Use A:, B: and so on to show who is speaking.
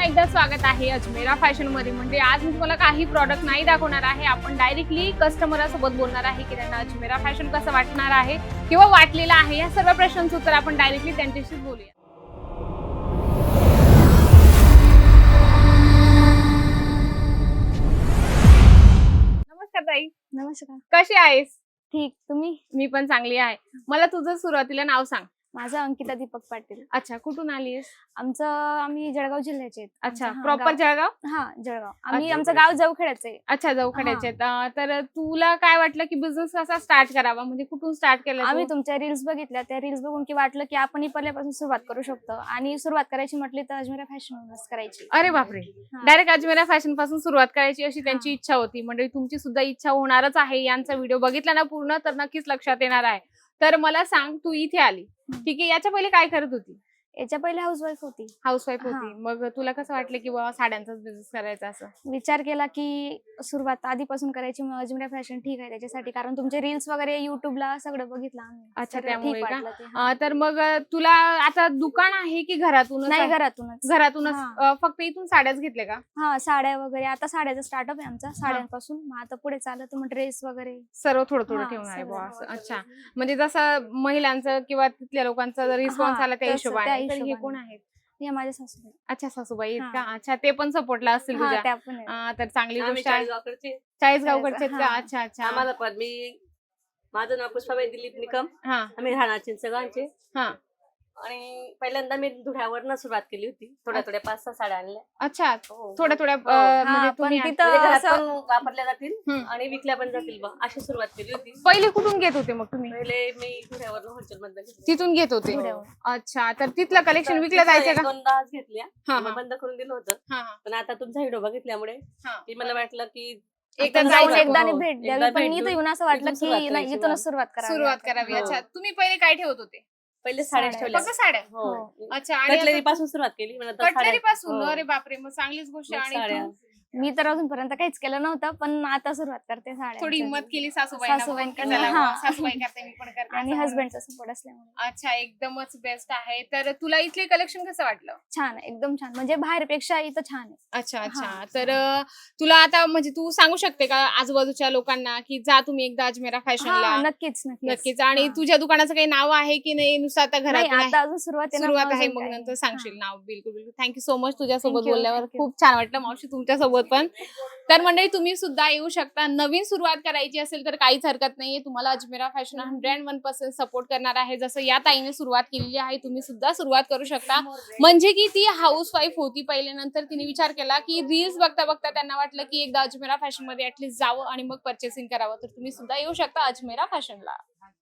A: एकदा स्वागत आहे अजमेरा फॅशन मध्ये। म्हणजे आज मी तुम्हाला काही प्रॉडक्ट नाही दाखवणार आहे, आपण डायरेक्टली कस्टमरासोबत बोलणार आहे की त्यांना अजमेरा फॅशन कसं वाटणार आहे किंवा वाटलेलं आहे, या सर्व प्रश्नांचं उत्तर आपण डायरेक्टली त्यांच्याशी बोलूया। नमस्कार ताई।
B: नमस्कार।
A: कशी आहेस?
B: ठीक, तुम्ही?
A: मी पण चांगली आहे। मला तुझं सुरुवातीला नाव सांग।
B: माझं अंकिता दीपक पाटील।
A: अच्छा, कुठून आलीस?
B: आम्ही जळगाव जिल्ह्याचे आहेत।
A: अच्छा, प्रॉपर जळगाव?
B: हा, जळगाव। आमचं गाव जवखेड्याचं आहे।
A: अच्छा, जवखेड्याचे। तर तुला काय वाटलं की बिझनेस कसा स्टार्ट करावा, म्हणजे कुठून स्टार्ट केलं?
B: आम्ही तुमच्या रील्स बघितल्या, त्या रील्स बघून की वाटलं की आपण पहिल्यापासून सुरुवात करू शकतो, आणि सुरुवात करायची म्हटली तर अजमेरा फॅशनवरूनच करायची।
A: अरे बापरे, डायरेक्ट अजमेरा फॅशन पासून सुरुवात करायची अशी त्यांची इच्छा होती। म्हणजे तुमची सुद्धा इच्छा होणारच आहे। यांचा व्हिडिओ बघितला ना पूर्ण तर नक्कीच लक्षात येणार आहे। तर मला सांग, तू इथे आली, ठीक आहे, याच्या पहिले काय करत होती?
B: याच्या पहिले हाऊसवाईफ होती।
A: हाऊसवाईफ होती, मग तुला कसं वाटलं की बाबा साड्यांचाच बिझनेस करायचा? असं
B: विचार केला की सुरुवात आधीपासून करायची, मग अजमेरा फॅशन ठीक आहे त्याच्यासाठी, कारण तुमचे रील्स वगैरे युट्यूबला सगळं बघितलं आम्ही।
A: अच्छा, त्यामुळे का? तर मग तुला आता दुकान आहे की घरातूनच?
B: नाही, घरातूनच।
A: फक्त इथून साड्याच घेतल्या का?
B: हा, साड्या वगैरे। आता साड्याचा स्टार्टअप आहे आमचा, साड्यांपासून। मग आता पुढे चालत मग ड्रेस वगैरे
A: सर्व थोडं थोडं ठेवणार आहे बुवा असं। अच्छा, म्हणजे जसं महिलांचं किंवा तिथल्या लोकांचा रिस्पॉन्स आला त्या हिशोबाने। तर हे कोण आहेत?
B: हे माझ्या सासूबाई।
A: अच्छा, सासूबाई आहेत का? अच्छा, ते पण सपोर्टला असतील तुझ्या? तर चांगली गोष्ट आहे। चाळीसगावकडचे आहेत का? अच्छा अच्छा।
C: आम्हाला पण माझं नाव पुष्पाबाई दिलीप निकम। आम्ही राहणार चिंचगावचे। आणि पहिल्यांदा मी धुळ्यावरनं सुरुवात केली होती, थोड्या 5-6 साड्या आणल्या।
A: अच्छा, थोड्या म्हणजे तुम्ही
C: घरात पण वापरल्या जातील आणि विकल्या पण जातील बा, अशी सुरुवात केली होती।
A: पहिले कुठून घेत होते मग तुम्ही?
C: पहिले मी धुळ्यावरनं होलसेल मधनं
A: तिथून घेत होते? अच्छा, तर तिथलं कलेक्शन विकलं जायचं का?
C: 2-2 घेतल्या, बंद करून दिलं होतं। पण आता तुमचा व्हिडिओ बघितल्यामुळे मला वाटलं की
B: एकदा भेट द्यावी, पण इथं येऊन असं वाटलं की नाही, इथूनच सुरुवात
A: करावी। अच्छा, तुम्ही पहिले काय ठेवत होते?
C: पहिले साड्या ठेवल्या,
A: फक्त साड्या? अच्छा,
C: कटलरी पासून सुरुवात केली।
A: कटलरी पासून? अरे बापरे, मग चांगलीच गोष्ट आहे। आणि
B: मी तर अजूनपर्यंत काहीच केलं नव्हतं, पण आता सुरुवात करते साड्या।
A: थोडी हिंमत केली सासूबाई करते, मी पण करते,
B: आणि हसबंडचा सपोर्ट असल्यामुळे।
A: अच्छा, एकदमच बेस्ट आहे। तर तुला इथले कलेक्शन कसं वाटलं?
B: छान, एकदम छान, म्हणजे बाहेरपेक्षा इथं छान आहे।
A: अच्छा अच्छा। तर तुला आता म्हणजे तू सांगू शकते का आजूबाजूच्या लोकांना की जा तुम्ही एकदा अजमेरा फॅशनला?
B: नक्कीच।
A: आणि तुझ्या दुकानाचं काही नाव आहे की नाही? नुसतं आता घरात
B: आता अजून सुरुवात
A: आहे, मग नंतर सांगशील नाव? बिलकुल बिलकुल। थँक्यू सो मच, तुझ्यासोबत बोलल्यावर खूप छान वाटलं मावशी, तुमच्यासोबत पण। तर मंडळी, तुम्ही सुद्धा येऊ शकता। नवीन सुरुवात करायची असेल तर काहीच हरकत नाहीये, तुम्हाला अजमेरा फॅशन 101% सपोर्ट करणार आहे। जसं या ताईने सुरुवात केलेली आहे, तुम्ही सुद्धा सुरुवात करू शकता। म्हणजे की ती हाऊस वाईफ होती पहिले, नंतर तिने विचार केला की रील्स बघता बघता त्यांना वाटलं की एकदा अजमेरा फॅशन मध्ये ऍटलीस्ट जावं आणि मग परचेसिंग करावं। तर तुम्ही सुद्धा येऊ शकता अजमेरा फॅशनला।